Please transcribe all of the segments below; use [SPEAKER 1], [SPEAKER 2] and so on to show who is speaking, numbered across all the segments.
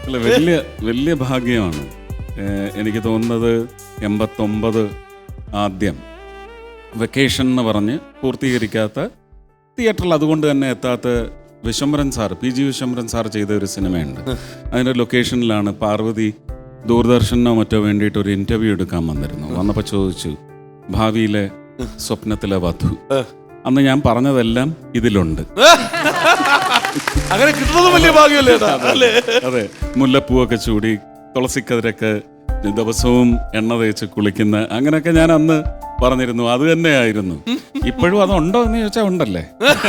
[SPEAKER 1] അല്ല, വലിയ വലിയ ഭാഗ്യമാണ്. എനിക്ക് തോന്നുന്നത് 89 ആദ്യം വെക്കേഷൻ എന്ന് പറഞ്ഞ് പൂർത്തീകരിക്കാത്ത തിയേറ്ററിൽ അതുകൊണ്ട് തന്നെ എത്താത്ത Vishwambharan sir, PG Vishwambharan sir ചെയ്ത ഒരു സിനിമയുണ്ട്. അതിൻ്റെ ലൊക്കേഷനിലാണ് പാർവതി ദൂരദർശനോ മറ്റോ വേണ്ടിയിട്ട് ഒരു ഇൻ്റർവ്യൂ എടുക്കാൻ വന്നിരുന്നു. വന്നപ്പോൾ ചോദിച്ചു, ഭാവിയിലെ സ്വപ്നത്തിലെ വധു. അന്ന് ഞാൻ പറഞ്ഞതെല്ലാം ഇതിലുണ്ട്.
[SPEAKER 2] അങ്ങനെ കിട്ടുന്നത് വലിയ ഭാഗ്യമല്ലേ?
[SPEAKER 1] അതെ, മുല്ലപ്പൂവൊക്കെ ചൂടി തുളസിക്കതിരൊക്കെ ദിവസവും എണ്ണ തേച്ച് കുളിക്കുന്ന അങ്ങനെയൊക്കെ ഞാൻ അന്ന് പറഞ്ഞിരുന്നു. അത് തന്നെയായിരുന്നു. ഇപ്പോഴും അതുണ്ടോ എന്ന് ചോദിച്ചാൽ ഉണ്ടല്ലേ.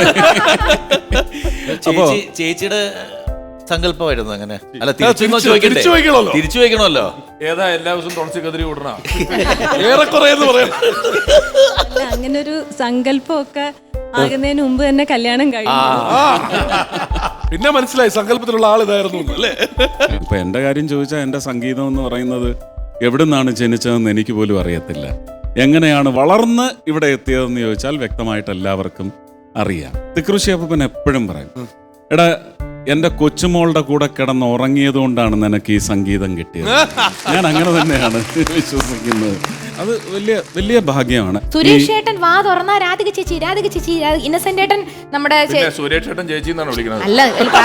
[SPEAKER 1] അപ്പോ
[SPEAKER 3] ചേച്ചിയുടെ സങ്കല്പമായിരുന്നു അങ്ങനെ. അല്ല,
[SPEAKER 2] തിരിച്ചു
[SPEAKER 3] വയ്ക്കണമല്ലോ.
[SPEAKER 2] ഏതാ എല്ലാ ദിവസവും തുളസി കതിരി വിടണ ഏറെക്കുറെ എന്ന് പറയാം.
[SPEAKER 4] അങ്ങനെ ഒരു സങ്കല്പമൊക്കെ ആകുന്നതിന് മുമ്പ് തന്നെ കല്യാണം കഴിഞ്ഞു.
[SPEAKER 2] പിന്നെ മനസ്സിലായി സങ്കല്പത്തിലുള്ള ആൾ ഇതായിരുന്നു അല്ലേ.
[SPEAKER 1] ഇപ്പൊ എന്റെ കാര്യം ചോദിച്ചാൽ എന്റെ സംഗീതം എന്ന് പറയുന്നത് എവിടുന്നാണ് ജനിച്ചതെന്ന് എനിക്ക് പോലും അറിയത്തില്ല. എങ്ങനെയാണ് വളർന്ന് ഇവിടെ എത്തിയതെന്ന് ചോദിച്ചാൽ വ്യക്തമായിട്ട് എല്ലാവർക്കും അറിയാം. തിക്കൃഷി അപ്പൻ എപ്പോഴും പറയും, എടാ എന്റെ കൊച്ചുമോളുടെ കൂടെ കിടന്ന് ഉറങ്ങിയത് കൊണ്ടാണ് നിനക്ക് ഈ സംഗീതം കിട്ടിയത്. ഞാൻ അങ്ങനെ തന്നെയാണ് വിശ്വസിക്കുന്നത്. അത് വലിയ വലിയ ഭാഗ്യമാണ്.
[SPEAKER 5] സുരേഷ് ഏട്ടൻ വാ തുറന്നാ രാധിക ചേച്ചി ഇന്നസെന്റ് ഏട്ടൻ നമ്മുടെ
[SPEAKER 2] സുരേഷ് ഏട്ടൻ ചേച്ചി എന്നാണ് വിളിക്കുന്നത്.
[SPEAKER 5] അല്ല,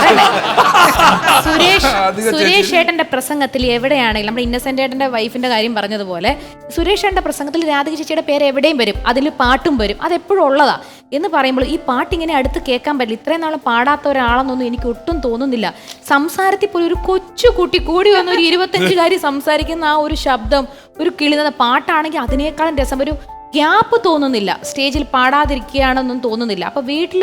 [SPEAKER 5] സുരേഷ് ഏട്ടന്റെ പ്രസംഗത്തിൽ എവിടെയാണെങ്കിലും നമ്മുടെ ഇന്നസെന്റ് ഏട്ടന്റെ വൈഫിന്റെ കാര്യം പറഞ്ഞതുപോലെ സുരേഷ് ഏട്ടന്റെ പ്രസംഗത്തിൽ രാധിക ചേച്ചിയുടെ പേര് എവിടെയും വരും, അതിൽ പാട്ടും വരും. അതെപ്പോഴും ഉള്ളതാ എന്ന് പറയുമ്പോൾ ഈ പാട്ട് ഇങ്ങനെ അടുത്ത് കേൾക്കാൻ പറ്റില്ല. ഇത്രയും നാളും പാടാത്ത ഒരാളെന്നൊന്നും എനിക്ക് ഒട്ടും തോന്നുന്നില്ല. സംസാരത്തിൽ പോലും ഒരു കൊച്ചു കുട്ടി കൂടി വന്ന ഒരു 25-കാരി സംസാരിക്കുന്ന ആ ഒരു ശബ്ദം, ഒരു കിളിന്ന പാട്ടാണെങ്കിൽ അതിനേക്കാളും രസം. ഒരു ഗ്യാപ്പ് തോന്നുന്നില്ല, സ്റ്റേജിൽ പാടാതിരിക്കുകയാണെന്നും തോന്നുന്നില്ല. അപ്പൊ വീട്ടില്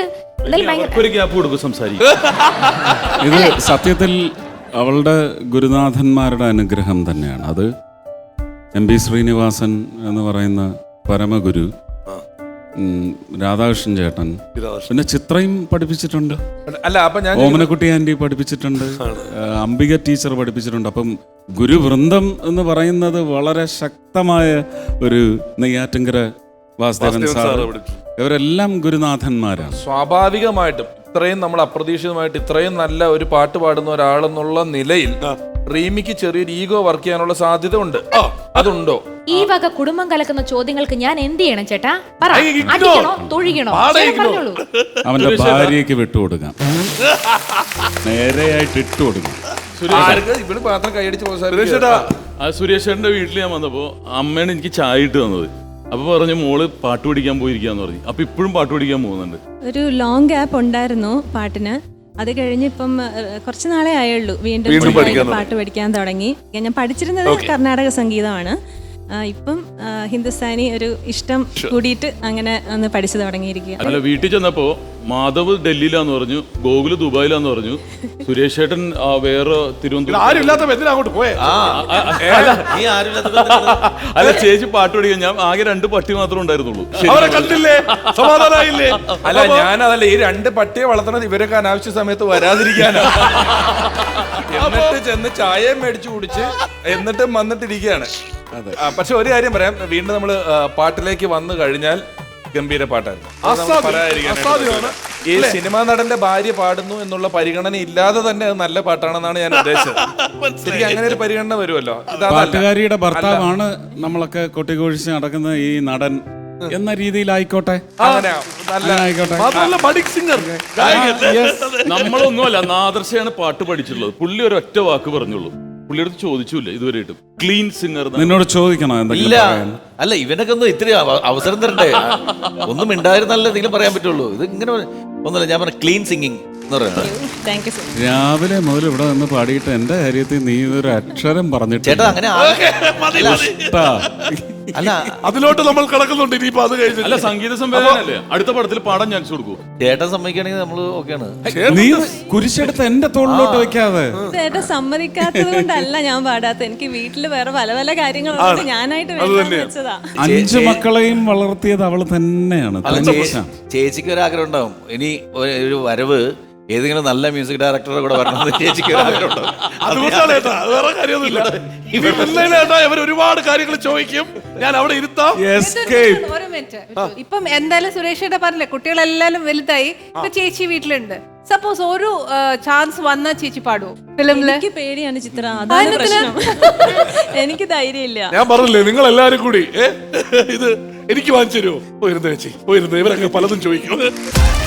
[SPEAKER 1] ഇത് സത്യത്തിൽ അവളുടെ ഗുരുനാഥന്മാരുടെ അനുഗ്രഹം തന്നെയാണ്. അത് MB ശ്രീനിവാസൻ എന്ന് പറയുന്ന പരമഗുരു, രാധാകൃഷ്ണൻ ചേട്ടൻ, പിന്നെ ചിത്രയും പഠിപ്പിച്ചിട്ടുണ്ട്.
[SPEAKER 2] അല്ല, അപ്പൊ ഞാൻ
[SPEAKER 1] ഓമനക്കുട്ടി ആന്റി പഠിപ്പിച്ചിട്ടുണ്ട്, അംബിക ടീച്ചർ പഠിപ്പിച്ചിട്ടുണ്ട്. അപ്പം ഗുരുവൃന്ദം എന്ന് പറയുന്നത് വളരെ ശക്തമായ ഒരു നെയ്യാറ്റിൻകര വാസുദേവൻ സാർ, ഇവരെല്ലാം ഗുരുനാഥന്മാരാണ്.
[SPEAKER 2] സ്വാഭാവികമായിട്ടും ഇത്രയും നമ്മൾ അപ്രതീക്ഷിതമായിട്ട് ഇത്രയും നല്ല ഒരു പാട്ട് പാടുന്ന ഒരാളെന്നുള്ള നിലയിൽ റീമിക്ക് ചെറിയൊരു ഈഗോ വർക്ക് ചെയ്യാനുള്ള സാധ്യത ഉണ്ട്. അതുണ്ടോ?
[SPEAKER 5] ഈ വക കുടുംബം കലക്കുന്ന ചോദ്യങ്ങൾക്ക് ഞാൻ എന്ത് ചെയ്യണം ചേട്ടാ? അടിക്കണോ, തൊഴിക്കണോ?
[SPEAKER 1] അവന്റെ ഭാര്യയ്ക്ക് വിട്ടുകൊടുക്കാം, നേരെയായിട്ട് ഇട്ടുകൊടുക്കാം.
[SPEAKER 6] സുരേഷേട്ടന്റെ വീട്ടിൽ ഞാൻ വന്നപ്പോ അമ്മയാണ് എനിക്ക് ചായ ഇട്ട് തന്നത്. അപ്പൊ പറഞ്ഞു, മോള് പാട്ട് പഠിക്കാൻ പോയിരിക്കാന്ന് പറഞ്ഞു. അപ്പൊ ഇപ്പോഴും പാട്ട് പഠിക്കാൻ പോകുന്നുണ്ട്.
[SPEAKER 4] ഒരു ലോങ് ഗ്യാപ്പ് ഉണ്ടായിരുന്നു പാട്ടിന്. അത് കഴിഞ്ഞ് ഇപ്പം കുറച്ച് നാളെ ആയുള്ളൂ വീണ്ടും പാട്ട് പഠിക്കാൻ തുടങ്ങി. ഞാൻ പഠിച്ചിരുന്നത് കർണാടക സംഗീതമാണ്. ഇപ്പം ഹിന്ദുസ്ഥാനി ഒരു ഇഷ്ടം കൂടിയിട്ട് അങ്ങനെ ഒന്ന് പഠിച്ചു തുടങ്ങിയിരിക്കുക.
[SPEAKER 6] അല്ല, വീട്ടിൽ ചെന്നപ്പോ മാധവ് ഡൽഹിയിലാന്ന് പറഞ്ഞു, ഗോകുല് ദുബായിലാന്ന് പറഞ്ഞു, സുരേഷ് ഏട്ടൻ വേറെ തിരുവനന്തപുരം. അല്ല, ചേച്ചി പാട്ട് പഠിക്കാൻ ഞാൻ ആകെ 2 പട്ടി മാത്രമേ ഉണ്ടായിരുന്നുള്ളൂ.
[SPEAKER 2] സമാധാനായില്ലേ? അല്ല, ഞാനതല്ല, ഈ 2 പട്ടിയെ വളർത്തണത് ഇവരൊക്കെ അനാവശ്യ സമയത്ത് വരാതിരിക്കാനാ. എന്നിട്ട് ചെന്ന് ചായയും മേടിച്ചു കുടിച്ച് എന്നിട്ടും വന്നിട്ടിരിക്കുകയാണ്. പക്ഷെ ഒരു കാര്യം പറയാം, വീണ്ടും നമ്മള് പാട്ടിലേക്ക് വന്നു കഴിഞ്ഞാൽ ഗംഭീര പാട്ടായിരുന്നു. ഈ സിനിമാ നടന്റെ ഭാര്യ പാടുന്നു എന്നുള്ള പരിഗണന ഇല്ലാതെ തന്നെ അത് നല്ല പാട്ടാണെന്നാണ് ഞാൻ ഉദ്ദേശിച്ചത്. ശരിക്കും അങ്ങനെ ഒരു പരിഗണന വരുമല്ലോ.
[SPEAKER 1] പാട്ടുകാരിയുടെ ഭർത്താവാണ് നമ്മളൊക്കെ കൊട്ടിക്കൊഴിച്ച് നടക്കുന്ന ഈ നടൻ എന്ന രീതിയിലായിക്കോട്ടെ,
[SPEAKER 6] നമ്മളൊന്നുമല്ല, നാദർശയാണ് പാട്ട് പഠിച്ചിട്ടുള്ളത്. പുള്ളി ഒരു ഒറ്റ വാക്ക് പറഞ്ഞുള്ളൂ. പുള്ളിയുടെ ചോദിച്ചില്ല ഇതുവരെയായിട്ടും. ക്ലീൻ സിംഗർ നിന്നോട്
[SPEAKER 1] ചോദിക്കണോ?
[SPEAKER 3] ഇല്ല, അല്ല, ഇവനൊക്കെ ഒന്ന് ഇത്തിരി അവസരം തരണ്ടേ? ഒന്നും ഉണ്ടായിരുന്നല്ല എന്തെങ്കിലും പറയാൻ പറ്റുള്ളൂ. ഇത് ഇങ്ങനെ ഒന്നുമില്ല. ഞാൻ പറഞ്ഞ ക്ലീൻ സിംഗിങ് എന്ന് പറയുന്നത്.
[SPEAKER 1] രാവിലെ മുതൽ ഇവിടെ നിന്ന് പാടിയിട്ട് എന്റെ കാര്യത്തിൽ നീ ഒരു അക്ഷരം പറഞ്ഞിട്ട്
[SPEAKER 3] ചേട്ടാ, അങ്ങനെ
[SPEAKER 2] അല്ല, അതിലോട്ട് നമ്മൾ കിടക്കുന്നുണ്ട്. ഇനിയിപ്പോ അത് കഴിഞ്ഞു.
[SPEAKER 6] അല്ല, സംഗീത സംവേദനല്ലേ, അടുത്ത പടത്തിൽ പാടാൻ ചാൻസ് കൊടുക്കൂ.
[SPEAKER 3] ചേട്ടൻ സമ്മതിക്കുകയാണെങ്കിൽ നമ്മള് ഓക്കെയാണ്.
[SPEAKER 1] നീ കുരിശെടുത്ത് എന്റെ തോളിലോട്ട് വെക്കാതെ.
[SPEAKER 4] ചേട്ടൻ സമ്മതിക്കാത്തത് കൊണ്ടല്ല ഞാൻ പാടാത്ത. എനിക്ക് വീട്ടില് വേറെ പല പല കാര്യങ്ങളുണ്ട്. ഞാനായിട്ട് വെച്ചതാ.
[SPEAKER 1] 5 മക്കളെയും വളർത്തിയത് അവള് തന്നെയാണ്.
[SPEAKER 3] ചേച്ചിക്ക് ഒരു ആഗ്രഹം ഉണ്ടാവും, ഇനി ഒരു വരവ് ഏതെങ്കിലും നല്ല മ്യൂസിക് ഡയറക്ടറെ കൂടെ വരണം ചേച്ചിക്ക് ഒരു ആഗ്രഹം ഉണ്ടാവും.
[SPEAKER 2] ഒരുപാട് കാര്യങ്ങൾ ചോദിക്കും, ഞാൻ അവിടെ ഇരുത്താം.
[SPEAKER 7] ഒരു മിനിറ്റ്. ഇപ്പം എന്തായാലും സുരേഷിന്റെ പറഞ്ഞില്ലേ, കുട്ടികളെല്ലാരും വലുതായി. ഇപ്പൊ ചേച്ചി വീട്ടിലുണ്ട്. സപ്പോസ് ഒരു ചാൻസ് വന്ന ചേച്ചി പാടുവോ ഫിലിമില്?
[SPEAKER 4] എനിക്ക് പേടിയാണ് ചിത്ര, അതാണ് പ്രശ്നം. എനിക്ക് ധൈര്യമില്ല.
[SPEAKER 8] ഞാൻ പറഞ്ഞില്ലേ നിങ്ങൾ എല്ലാരും കൂടി ഇത് എനിക്ക് വാങ്ങിച്ചു തരുമോ? പോയിരുന്നു ചേച്ചി, പോയിരുന്നു. ഇവരൊക്കെ പലതും ചോദിക്കും.